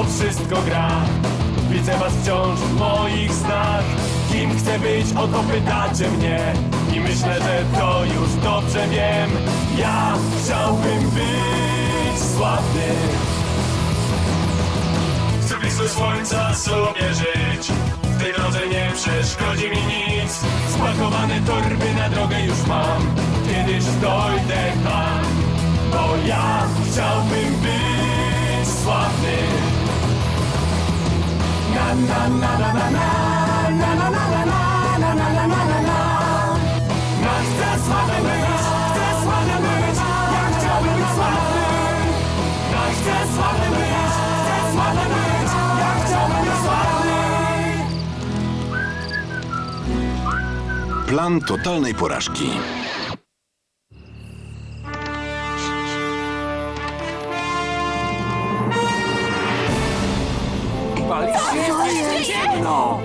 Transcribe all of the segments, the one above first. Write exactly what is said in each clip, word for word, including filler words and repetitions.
wszystko gra. Widzę was wciąż w moich snach. Kim chcę być, o to pytacie mnie. I myślę, że to już dobrze wiem. Ja chciałbym być sławny. Chcę blisko słońca sobie żyć. W tej drodze nie przeszkodzi mi nic. Spakowane torby na drogę już mam. Kiedyś dojdę tam, bo ja chciałbym być sławny. Na na na na na na na na na na na na na na na na na. Ja chcę sławny być, chcę sławny być. Ja chciałbym być sławny. Ja chcę sławny być, chcę sławny być. Ja chciałbym być sławny. Plan totalnej porażki. Ciemno!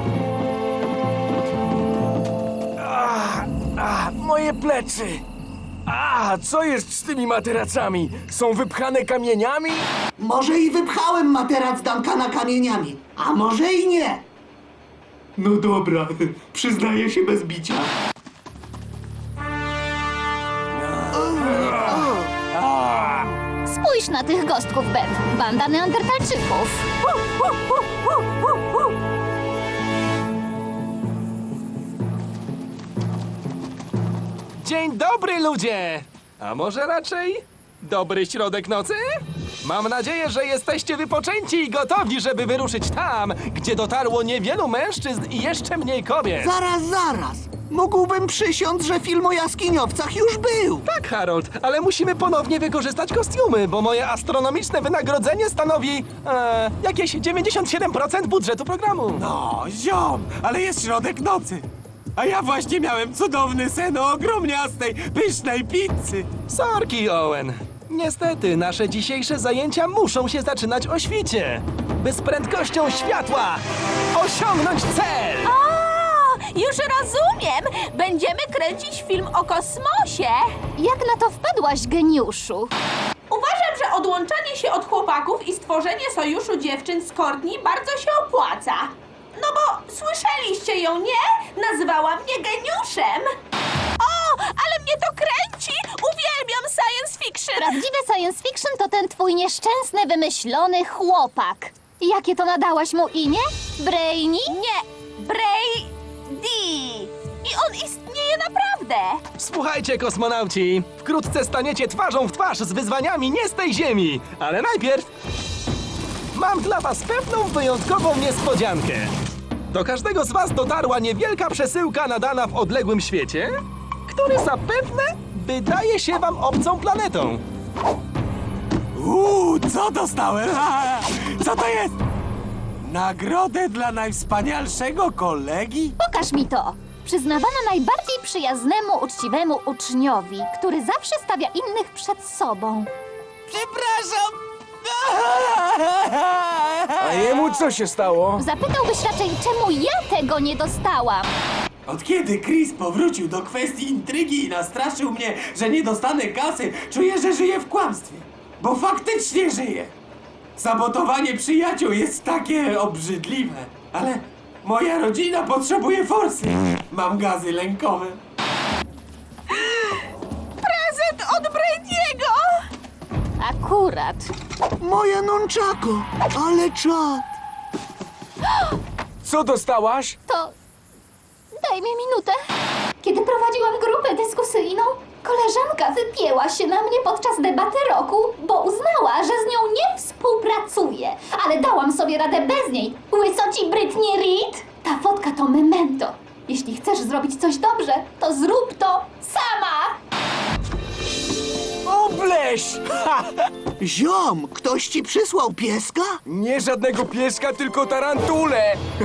A, a, moje plecy! A, co jest z tymi materacami? Są wypchane kamieniami? Może i wypchałem materac Duncana kamieniami, a może i nie. No dobra, przyznaję się bez bicia. Spójrz na tych gostków, Beth. Banda neandertalczyków. Dzień dobry, ludzie! A może raczej dobry środek nocy? Mam nadzieję, że jesteście wypoczęci i gotowi, żeby wyruszyć tam, gdzie dotarło niewielu mężczyzn i jeszcze mniej kobiet. Zaraz, zaraz. Mógłbym przysiąc, że film o jaskiniowcach już był. Tak, Harold, ale musimy ponownie wykorzystać kostiumy, bo moje astronomiczne wynagrodzenie stanowi e, jakieś dziewięćdziesiąt siedem procent budżetu programu. O, ziom, ale jest środek nocy. A ja właśnie miałem cudowny sen o ogromniastej, pysznej pizzy. Sorki, Owen. Niestety, nasze dzisiejsze zajęcia muszą się zaczynać o świcie, by z prędkością światła osiągnąć cel! O, już rozumiem! Będziemy kręcić film o kosmosie. Jak na to wpadłaś, geniuszu? Uważam, że odłączanie się od chłopaków i stworzenie sojuszu dziewczyn z Courtney bardzo się opłaca. No bo słyszeliście ją, nie? Nazywała mnie geniuszem. O, ale mnie to kręci! Uwielbiam science fiction! Prawdziwe science fiction to ten twój nieszczęsny, wymyślony chłopak. Jakie to nadałaś mu imię? Brainy? Nie, Brady! I on istnieje naprawdę! Słuchajcie, kosmonauci, wkrótce staniecie twarzą w twarz z wyzwaniami nie z tej ziemi, ale najpierw mam dla was pewną wyjątkową niespodziankę. Do każdego z was dotarła niewielka przesyłka nadana w odległym świecie, który zapewne wydaje się wam obcą planetą. Uuu, co dostałem? A, co to jest? Nagrodę dla najwspanialszego kolegi? Pokaż mi to. Przyznawana najbardziej przyjaznemu, uczciwemu uczniowi, który zawsze stawia innych przed sobą. Przepraszam! A jemu co się stało? Zapytałbyś raczej, czemu ja tego nie dostałam. Od kiedy Chris powrócił do kwestii intrygi i nastraszył mnie, że nie dostanę kasy, czuję, że żyję w kłamstwie. Bo faktycznie żyję. Sabotowanie przyjaciół jest takie obrzydliwe. Ale moja rodzina potrzebuje forsy. Mam gazy lękowe. Prezent od Brady'ego! Akurat. Moje nunchako, ale czad. Co dostałaś? To... daj mi minutę. Kiedy prowadziłam grupę dyskusyjną, koleżanka wypięła się na mnie podczas debaty roku, bo uznała, że z nią nie współpracuje. Ale dałam sobie radę bez niej. Łysoci Britney Reed? Ta wodka to memento. Jeśli chcesz zrobić coś dobrze, to zrób to sama. Obleś! Ha! Ziom, ktoś ci przysłał pieska? Nie żadnego pieska, tylko tarantulę!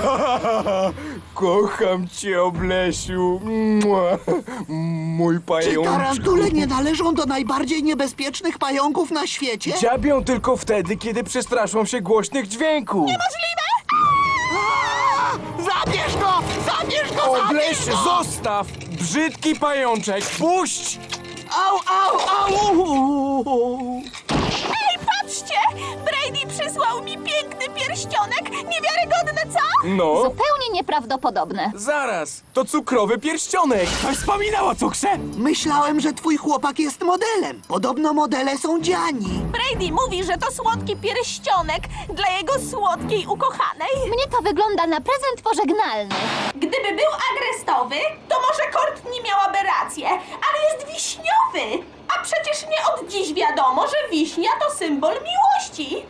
Kocham cię, Oblesiu! Mua. Mój Czy pajączku! tarantule nie należą do najbardziej niebezpiecznych pająków na świecie? Dziabią tylko wtedy, kiedy przestraszą się głośnych dźwięków! Możliwe? A! Zabierz go! Zabierz go! Obleś, Zabierz go! zostaw! Brzydki pajączek, puść! Au, au, au! Ej, patrzcie! Brady przy przysłał mi piękny pierścionek. Niewiarygodne, co? No, Zupełnie nieprawdopodobne. zaraz. To cukrowy pierścionek. Ktoś wspominał o cukrze? Myślałem, że twój chłopak jest modelem. Podobno modele są dziani. Brady mówi, że to słodki pierścionek dla jego słodkiej ukochanej. Mnie to wygląda na prezent pożegnalny. Gdyby był agrestowy, to może Courtney miałaby rację, ale jest wiśniowy. A przecież nie od dziś wiadomo, że wiśnia to symbol miłości.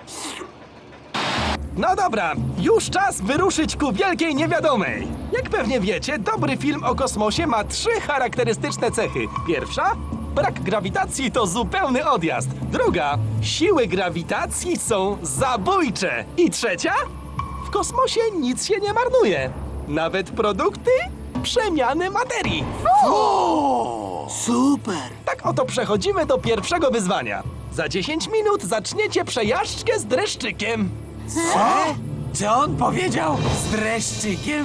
No dobra, już czas wyruszyć ku wielkiej niewiadomej. Jak pewnie wiecie, dobry film o kosmosie ma trzy charakterystyczne cechy. Pierwsza, brak grawitacji to zupełny odjazd. Druga, siły grawitacji są zabójcze. I trzecia, w kosmosie nic się nie marnuje. Nawet produkty przemiany materii. Super. Tak oto przechodzimy do pierwszego wyzwania. Za dziesięć minut zaczniecie przejażdżkę z dreszczykiem. Co? Czy on powiedział z dreszczykiem?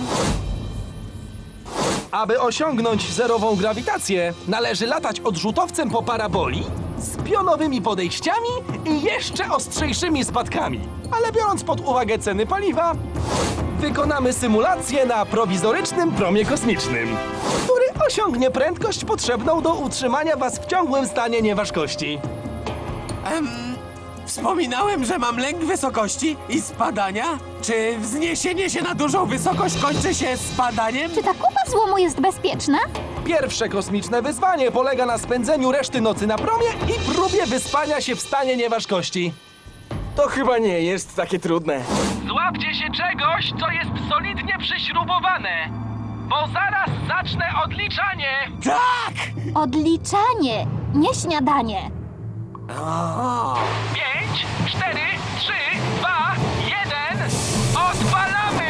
Aby osiągnąć zerową grawitację, należy latać odrzutowcem po paraboli z pionowymi podejściami i jeszcze ostrzejszymi spadkami. Ale biorąc pod uwagę ceny paliwa, wykonamy symulację na prowizorycznym promie kosmicznym, który osiągnie prędkość potrzebną do utrzymania was w ciągłym stanie nieważkości. Em, wspominałem, że mam lęk wysokości i spadania? Czy wzniesienie się na dużą wysokość kończy się spadaniem? Czy ta kupa złomu jest bezpieczna? Pierwsze kosmiczne wyzwanie polega na spędzeniu reszty nocy na promie i próbie wyspania się w stanie nieważkości. To chyba nie jest takie trudne. Złapcie się czegoś, co jest solidnie przyśrubowane, bo zaraz zacznę odliczanie. Tak! Odliczanie, nie śniadanie. O, Pięć, cztery, trzy, dwa, jeden. Odpalamy!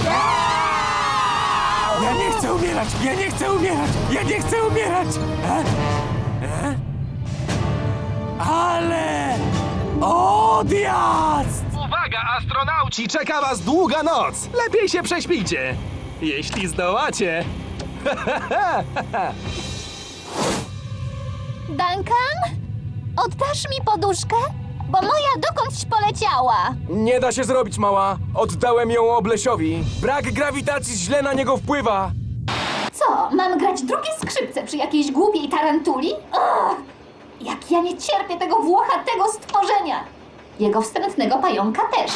ja nie chcę umierać! Ja nie chcę umierać! Ja nie chcę umierać! E? E? Ale... Odjazd! Uwaga, astronauci! Ci czeka was długa noc. Lepiej się prześpijcie. Jeśli zdołacie. Duncan? Oddasz mi poduszkę? Bo moja dokądś poleciała. Nie da się zrobić, mała. Oddałem ją Oblesiowi. Brak grawitacji źle na niego wpływa. Co, mam grać drugie skrzypce przy jakiejś głupiej tarantuli? Ugh! Jak ja nie cierpię tego włochatego stworzenia! Jego wstrętnego pająka też.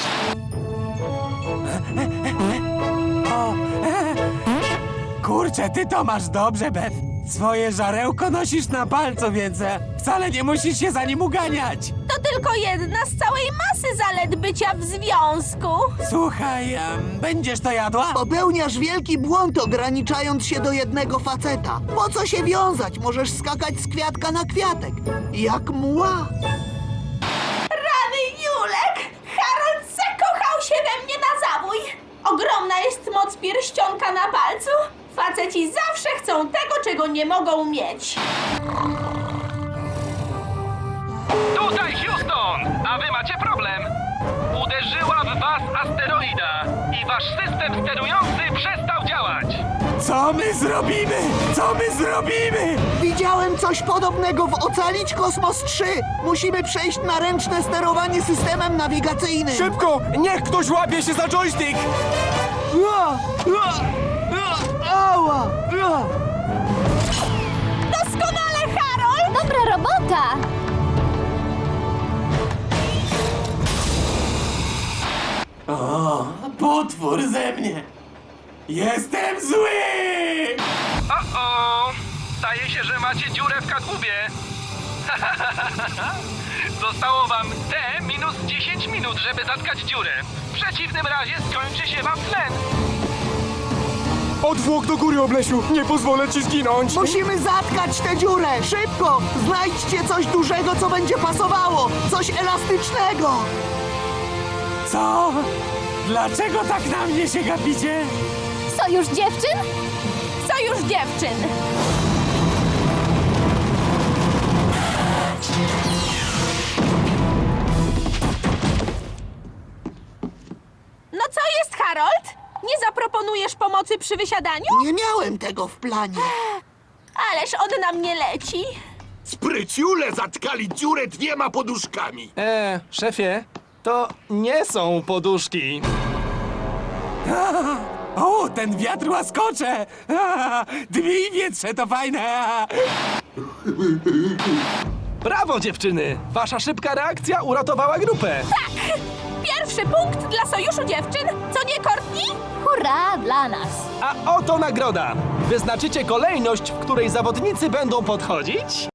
Kurczę, ty to masz dobrze, Beth. Swoje żarełko nosisz na palcu, więc e, wcale nie musisz się za nim uganiać. To tylko jedna z całej masy zalet bycia w związku. Słuchaj, em, będziesz to jadła? Popełniasz wielki błąd, ograniczając się do jednego faceta. Po co się wiązać? Możesz skakać z kwiatka na kwiatek. Jak mła. Rany Julek! Harold zakochał się we mnie na zabój! Ogromna jest moc pierścionka na palcu. Faceci zawsze chcą tego, czego nie mogą mieć. Tutaj Houston, a wy macie problem. Uderzyła w was asteroida i wasz system sterujący przestał działać. Co my zrobimy? Co my zrobimy? Widziałem coś podobnego w Ocalić Kosmos trzy. Musimy przejść na ręczne sterowanie systemem nawigacyjnym. Szybko! Niech ktoś łapie się za joystick! Ua! Ua! Ua! Ała! Ua! Doskonale, Harold! Dobra robota! O, potwór ze mnie! Jestem zły! O-o! Zdaje się, że macie dziurę w kadłubie. Zostało wam T minus dziesięć minut, żeby zatkać dziurę. W przeciwnym razie skończy się wam tlen. Odwłok do góry, Oblesiu! Nie pozwolę ci zginąć! Musimy zatkać tę dziurę! Szybko! Znajdźcie coś dużego, co będzie pasowało! Coś elastycznego! Co? Dlaczego tak na mnie się gapicie? Sojusz dziewczyn? Sojusz dziewczyn! No co jest, Harold? Nie zaproponujesz pomocy przy wysiadaniu? Nie miałem tego w planie. Ależ on na mnie leci. Spryciule zatkali dziurę dwiema poduszkami. E, szefie, To nie są poduszki. O, ten wiatr łaskocze! A, Dwie i wietrze to fajne! Brawo, dziewczyny! Wasza szybka reakcja uratowała grupę. Pierwszy punkt dla Sojuszu Dziewczyn, co nie, Courtney? Hurra dla nas! A oto nagroda! Wyznaczycie kolejność, w której zawodnicy będą podchodzić